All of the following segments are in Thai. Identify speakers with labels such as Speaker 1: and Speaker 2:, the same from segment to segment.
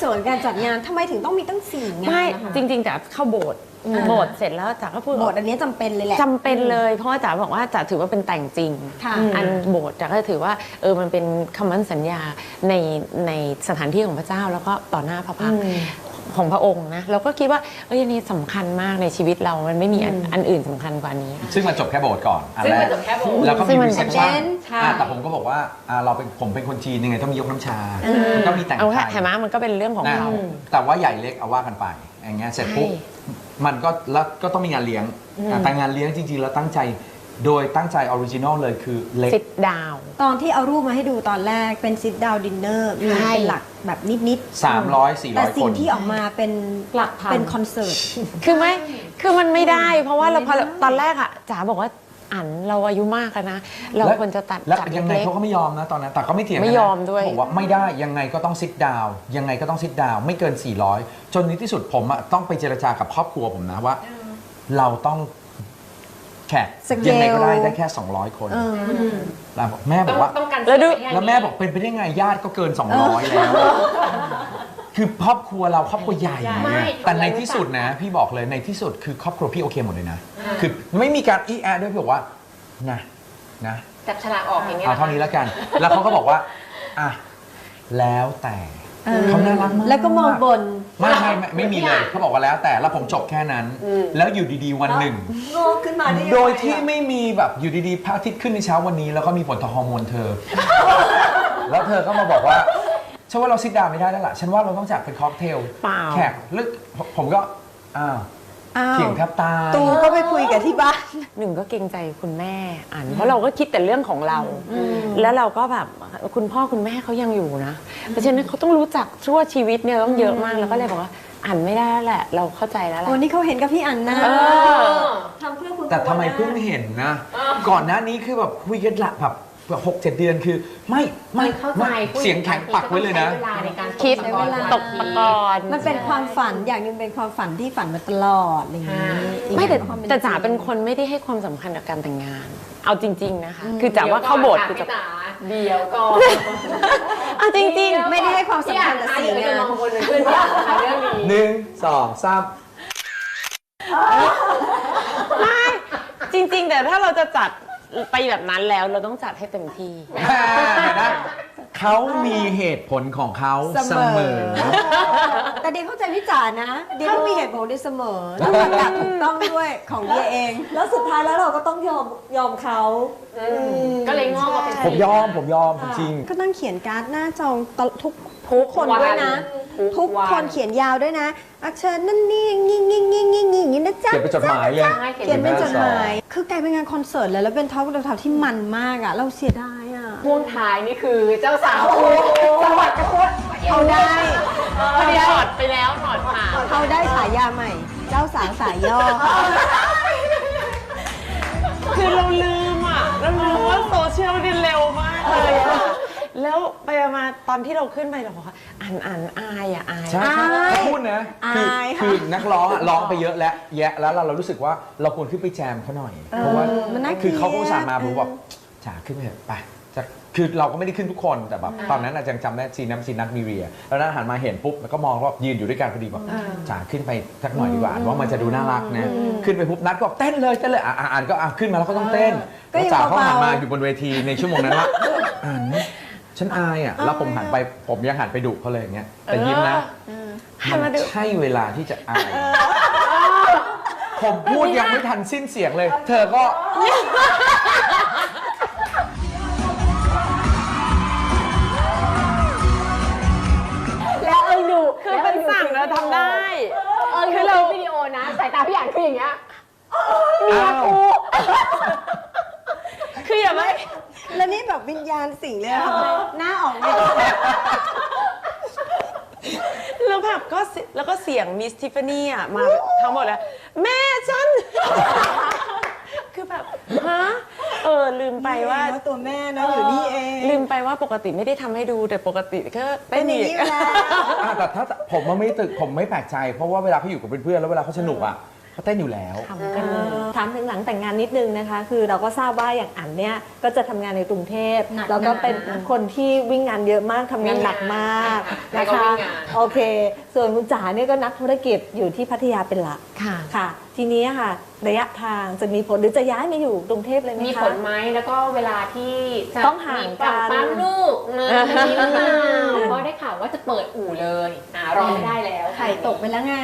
Speaker 1: ส่วนการจัดงานทำไมถึงต้องมีตั้ง4 งาน
Speaker 2: ไม่
Speaker 1: นะคะ
Speaker 2: จริงๆจ๋าเข้าโบสถ์เสร็จแล้วจ๋าก็พูด
Speaker 1: โบสถ์อันนี้จำเป็นเลยแหละ
Speaker 2: จำเป็นเลยเพราะว่าจ๋าบอกว่าจ๋าถือว่าเป็นแต่งจริง
Speaker 1: ค่ะ
Speaker 2: อันโบสถ์จ๋าก็ถือว่ามันเป็นคำมั่นสัญญาในสถานที่ของพระเจ้าแล้วก็ต่อหน้าพระพักตร์ของพระองค์นะเราก็คิดว่าอันนี้สำคัญมากในชีวิตเรามันไม่มีอันอื่นสำคัญกว่านี้
Speaker 3: ซึ่งมันจบแค่โบสถ์ก่อนอัน
Speaker 4: ซึ่ง
Speaker 3: แร
Speaker 4: มัน
Speaker 3: ก
Speaker 4: จบแค่โบสถ์
Speaker 3: แล้วก็มีรีเซพชั่น
Speaker 1: ใช่
Speaker 3: แต่ผมก็บอกว่าผมเป็นคนจีนยังไงต้องมียกน้ำชาก็มีแต่ง
Speaker 2: เอา
Speaker 3: ไท
Speaker 2: แค่
Speaker 3: ย
Speaker 2: เห็นไหมมันก็เป็นเรื่องของ
Speaker 3: นะ
Speaker 2: เรา
Speaker 3: แต่ว่าใหญ่เล็กเอาว่ากันไปอย่างเงี้ยเสร็จปุ๊บ
Speaker 2: ใช่
Speaker 3: มันก็แล้วก็ต้องมีงานเลี้ยงแต่งานเลี้ยงจริงๆแล้วตั้งใจโดยตั้งใจออริจินอลเลยคือเล็ก
Speaker 2: ซิดดาว
Speaker 1: ตอนที่เอารูปมาให้ดูตอนแรกเป็น sit down dinner มี
Speaker 2: ใช่
Speaker 1: เป็นหลักแบบนิดๆ
Speaker 3: 300-400
Speaker 1: แต่สิ่
Speaker 3: ค
Speaker 1: ง
Speaker 3: น
Speaker 1: ที่ออกมาเป็น
Speaker 4: หลักพัน
Speaker 1: เป็นคอนเสิร์ต
Speaker 2: คือมันไม่ได้ เพราะว่าเรา
Speaker 1: ไม่ได้
Speaker 2: ตอนแรกอะจ๋าบอกว่าเราอายุมากแล้วนะ เราควรจะตัด
Speaker 3: แล้ว
Speaker 2: จัด
Speaker 3: ยังไง
Speaker 2: เล็ก
Speaker 3: เขาก็ไม่ยอมนะตอนนั้นแต่ก็ไม่เถียงกันนะ
Speaker 2: ไม่ยอมด้วย
Speaker 3: บอกว่าไม่ได้ยังไงก็ต้องซิดดาวยังไงก็ต้องซิดดาวไม่เกิน 400 จนในที่สุดผมอะต้องไปเจรจากับครอบครัวผมนะว่า เราต้องแขก
Speaker 1: สเกล
Speaker 3: ยังไงก็ได้แค่ 200 คนแล้วแม่บอกว่า
Speaker 4: ต้องการ
Speaker 2: แล้วดู
Speaker 3: แล้วแม่บอกเป็นไปได้ไงญาติก็เกิน 200 แล้ว คือครอบครัวเราครอบครัวใหญ่
Speaker 4: ไม่
Speaker 3: เนี่ยแต่ในที่สุดนะ พี่บอกเลยในที่สุดคือครอบครัวพี่โอเคหมดเลยนะ คือไม่มีการอีแอด้วยพี่บอกว่านะ
Speaker 4: จับฉลากออกอย่างเงี้ย
Speaker 3: เอาเท่านี้แล้วกัน แล้วเขาก็บอกว่าอ่ะแล้วแต่เขาน่ารักมาก
Speaker 1: แล้วก็มองบน
Speaker 3: ไม่มีเลยเขาบอกว่าแล้วแต่แล้วผมจบแค่นั้น แล้วอยู่ดีๆวันหนึ่ง
Speaker 1: โง่ขึ้นมาได้ยังไง
Speaker 3: โดยที่ไม่มีแบบอยู่ดีๆพระอาทิตย์ขึ้นในเช้าวันนี้ แล้วก็มีผลต่อฮอร์โมนเธอ แล้วเธอก็มาบอกว่าฉันว่าเราซิดดาวไม่ได้แล้วล่ะฉันว่าเราต้องจัดเป็นค็อกเทล
Speaker 2: เปล่า
Speaker 3: แขกลึกผมก็อ้าว
Speaker 1: อ้าว
Speaker 3: เถียงแทบตาย
Speaker 1: ตูก็ไปคุยกับที่บ้าน
Speaker 2: หนึ่งก็เกรงใจคุณแม่เพราะเราก็คิดแต่เรื่องของเรา แล้วเราก็แบบคุณพ่อคุณแม่เขายังอยู่นะเพราะฉะนั้นเขาต้องรู้จักชั่วชีวิตเนี่ยต้องเยอะมากแล้วก็เลยบอกว่าไม่ได้แล้วแหละ เราเข้าใจแล้วแหละ
Speaker 1: วันนี้เขาเห็นกับพี่อันนะ
Speaker 4: ทำเพื่อคุณ
Speaker 3: แต่ทำไมเพิ่งเห็นนะ ก่อนหน้านี้คือแบบคุยกันละแบบ6-7 เดือนคือไม่
Speaker 4: เข้าใจ
Speaker 3: เสียงแข็งปักไว้เลยนะ
Speaker 4: ใช้เวลาในการ
Speaker 2: คิด
Speaker 4: ตกตะกอน
Speaker 2: ตกตะกอน
Speaker 1: มันเป็นความฝันอย่างหนึงเป็นความฝันที่ฝันมาตลอดอะไรอย่างนี้อีก
Speaker 2: ไม่แต่
Speaker 1: อย่งความ
Speaker 2: แต่จ๋าเป็นคนไม่ได้ให้ความสำคัญกับการแต่งงาน เอาจริง ๆนะคะ คือจ๋าว่าเข้าโบสถ์คือจะ
Speaker 4: เดี๋ยวก่อน
Speaker 2: เอาจริงๆ
Speaker 1: ไม่ได้ให้ความสำคัญกับ
Speaker 4: พี่
Speaker 1: สิ่ง
Speaker 4: อ่าน
Speaker 1: งา
Speaker 4: จะ
Speaker 1: น
Speaker 4: มองคนเป็นเพื่อนพี่อ่านเรื่องนี้
Speaker 3: 1 2 3
Speaker 2: จริง ๆ แต่ถ้าเราจะจัดไปแบบนั้นแล้วเราต้องจัดให้เต็มที่
Speaker 3: เห็นไหมเขามีเหตุผลของเขาเสมอ
Speaker 1: แต่เดียเข้าใจพี่จ๋านะ เดียต้องมีเหตุผลเดียเสมอแล้วประกาศถูกต้องด้วยของเดียเอง แล้วสุดท้ายแล้วเราก็ต้องยอมเขา
Speaker 4: ก็เลยงอกมาเป็น
Speaker 3: ผมยอมจริง
Speaker 1: ก็ต้องเขียนการ์ดหน้าจองทุก
Speaker 4: ทุก
Speaker 1: คน
Speaker 4: วัน
Speaker 1: ด้วยนะ ทุก
Speaker 4: วัน
Speaker 1: คนเขียนยาวด้วยนะอักเชิญนั่นนี่อย่างนี้นะจ๊ะ
Speaker 3: เขียนเป็นจดหมายเลย
Speaker 4: ใช่
Speaker 1: เขียนเป็นจดหมาย คือกลายเป็นงานคอนเสิร์ตเลยแล้วเป็นท็อปที่มันมากอ่ะ เราเสียดายอ่ะ
Speaker 4: พ่วงท้ายนี่คือเจ้าสาวสวัสดิ์กระโคตร
Speaker 1: เขาได้
Speaker 2: ถอดไปแล้วถอดผ่า
Speaker 1: เขาได้ฉายาใหม่ เจ้าสาวสายย่อค่ะ
Speaker 2: คือเราลืมว่าโซเชียลนี่เร็วมากเลยอะแล้วไปมาตอนที่เราขึ้นไปเราบอกว่าอายอะอาย
Speaker 3: ใช่เขาพูดนะคือนักร้องร้องไปเยอะแล้วแยะแล้วเรารู้สึกว่าเราควรขึ้นไปแจมเขาหน่อย เพราะว่า
Speaker 1: มันน่า
Speaker 3: คือเขาก็
Speaker 1: เกลียด
Speaker 3: อุตส่าห์มาผมบอกจ๋าขึ้นไปเถอะไปคือเราก็ไม่ได้ขึ้นทุกคนแต่แบบตอนนั้นยังจำได้ซีนัทมีเรียแล้วนั้นหันมาเห็นปุ๊บแล้วก็มองว่ายืนอยู่ด้วยกันพอดีบอกจ๋าขึ้นไปสักหน่อยดีกว่าว่ามันจะดูน่ารักนะขึ้นไปปุ๊บนัทก็บอกเต้นเลยอ่านก็ขึ้นมาแล้วก็ต้องเต้นแล้วจ๋าเขาหันมาอยู่บนเวทีในชั่วโมงนั้นว่าฉันอายอ่ะแล้วผมหันไปผมยังหันไปดุเขาเลยอย่างเงี้ยแต่ยิ้มนะมันใช่เวลาที่จะอายผมพูดยังไม่ทันสิ้นเสียงเลย เธอก็
Speaker 4: แล้วดู
Speaker 2: คือเป็นสั่งเราทำได้
Speaker 4: คือเราวิดีโอนะสายตาพี่อ่านคืออย่างเงี้ยเมียกู
Speaker 2: คืออย่าไม่
Speaker 1: แล้วนี่แบบวิญญาณสิ่งเลยอะหน้าออกมา
Speaker 2: แล้วแบบแล้วก็เสียงมิสทิฟฟานี่อะมาทั้งหมดเลยแม่ฉัน คือแบบฮะลืมไปว่า
Speaker 1: ตัวแม่นะอยู่นี่เอง
Speaker 2: ลืมไปว่าปกติไม่ได้ทำให้ดูแต่ปกติก็
Speaker 1: เป็นอย่างนี้อยู่แล้ว
Speaker 3: แต่ถ้าผมไม่แปลกใจเพราะว่าเวลาเขาอยู่กับเพื่อนๆแล้วเวลาเขาสนุกอ่ะเขาเต้นอยู่แล้ว
Speaker 2: ทำกันเลย
Speaker 1: ถามถึงหลังแต่งงานนิดนึงนะคะ คือเราก็ทราบว่าอย่างอันเนี่ยก็จะทำงานในกรุงเทพ
Speaker 4: หนัก
Speaker 1: แล้วก็เป็น
Speaker 4: นะ
Speaker 1: คนที่วิ่งงานเยอะมากทำงานหนักมาก
Speaker 4: แล้
Speaker 1: นะ
Speaker 4: วก็
Speaker 1: คะ
Speaker 4: วิ่งงาน
Speaker 1: โอเค ส่วนคุณจ๋าเนี่ยก็นักธุรกิจอยู่ที่พัทยาเป็นหลัก
Speaker 2: ค่ะ
Speaker 1: ค่ะ ทีนี้ค่ะระยะทางจะมีผลหรือจะย้ายมาอยู่กรุงเทพเลยไหมคะ
Speaker 4: มีผลไหมแล้วก็เวลาที่จะ
Speaker 1: ต้องห่างกัน
Speaker 4: มีปั๊มลูกนะมีหรือเปล่าเพราะได้ข่าวว่าจะเปิดอู่เลยรอไม่ได้แล้ว
Speaker 1: ไข่ตกไปแล้วไง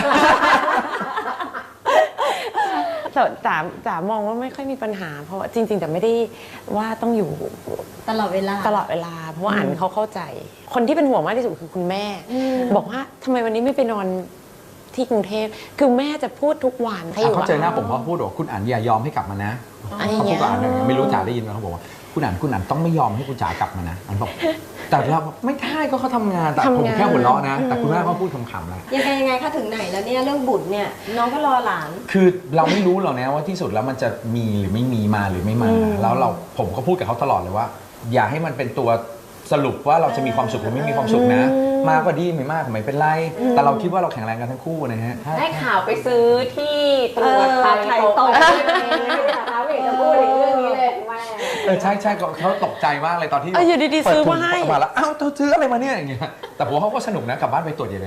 Speaker 2: แต่จ๋ามองว่าไม่ค่อยมีปัญหา เพราะว่าจริงๆแต่ไม่ได้ว่าต้องอยู่
Speaker 1: ตลอดเวลา
Speaker 2: ตลอดเวลา เพราะว่าอันเขาเข้าใจ คนที่เป็นห่วงมากที่สุดคือคุณแม่ บอกว่าทำไมวันนี้ไม่ไปนอนที่กรุงเทพคือแม่จะพูดทุกวันให้อยู่
Speaker 3: เขาเจอหน้าผมเขาพูดว่าคุณอั๋นอย่ายอมให้กลับมานะ
Speaker 2: อะไรอ
Speaker 3: เขา
Speaker 2: ย่าง
Speaker 3: พู
Speaker 2: เงี้
Speaker 3: ด
Speaker 2: ย
Speaker 3: กับอั๋นไม่รู้จ๋าได้ยินไหมเขาบอกว่าคุณอั๋นต้องไม่ยอมให้คุณจ๋ากลับมานะอั๋นบอกแต่เราไม่ได้ก็เขาทำงานแต่ผมแค่หัวเราะนะ แต่คุณแม่เขาพูดขำๆแหละ
Speaker 1: ยังไงคะถึงไหนแล้วเนี่ยเรื่องบุตรเนี่ยน้องก็รอหลาน
Speaker 3: คือเราไม่รู้หรอกนะว่าที่สุดแล้วมันจะมีหรือไม่มีมาหรือไม่มา แล้วผมก็พูดกับเขาตลอดเลยว่า อย่าให้มันเป็นตัวสรุปว่าเราจะมีความสุขหรือไม่มีความสุขนะ มากก็ดีไม่มากก็ไม่เป็นไร แต่เราคิดว่าเราแข็งแรงกันทั้งคู่นะฮะ
Speaker 4: ได้ข่าวไปซื้อที่ตรวจไข่ตกนะคะไม่เห็นจะพูดถึงเรื่องนี้เลยแม่
Speaker 3: ใช่เขาตกใจมากเลยตอนที่
Speaker 2: อยู่ดีๆ
Speaker 3: เปิ
Speaker 2: ซื้อ
Speaker 3: ถุง
Speaker 2: มาให้
Speaker 3: ออกมาแล้วอ้าวเธอซื้ออะไรมาเนี่ยอย่างเงี้ยแต่ผมว่าเขาก็สนุกนะกลับบ้านไปตรวจอย่างเลย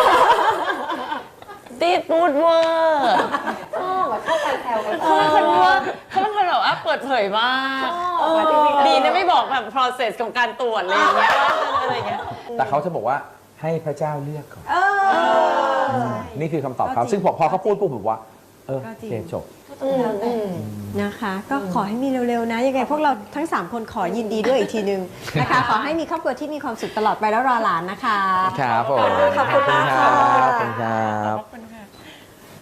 Speaker 2: ตีดพูดเวอร์
Speaker 4: ชอบการแซวกัน
Speaker 2: เขาเป็นคนว่าเขาเป็นคนแบบว่าเปิดเผยมากดีนะไม่บอกแบบ process ของการตรวจอะไรอย่างเงี้ยว่าอะไรอย่างเงี้ย
Speaker 3: แต่เขาจะบอกว่าให้พระเจ้าเลือกก่อนนี่คือคำตอบเขาซึ่งพอเขาพูดปุ๊บผมว่าโอเคจบ
Speaker 1: นะคะ ก็ขอให้มีเร็วๆนะ ยังไงพวกเราทั้ง 3 คนขอยินดีด้วยอีกทีนึงนะคะ ขอให้มีครอบครัวที่มีความสุขตลอดไปแล้วรอหลานนะคะ
Speaker 3: ครับผม
Speaker 1: ขอบคุณมากค่ะ
Speaker 3: ขอบคุณครับ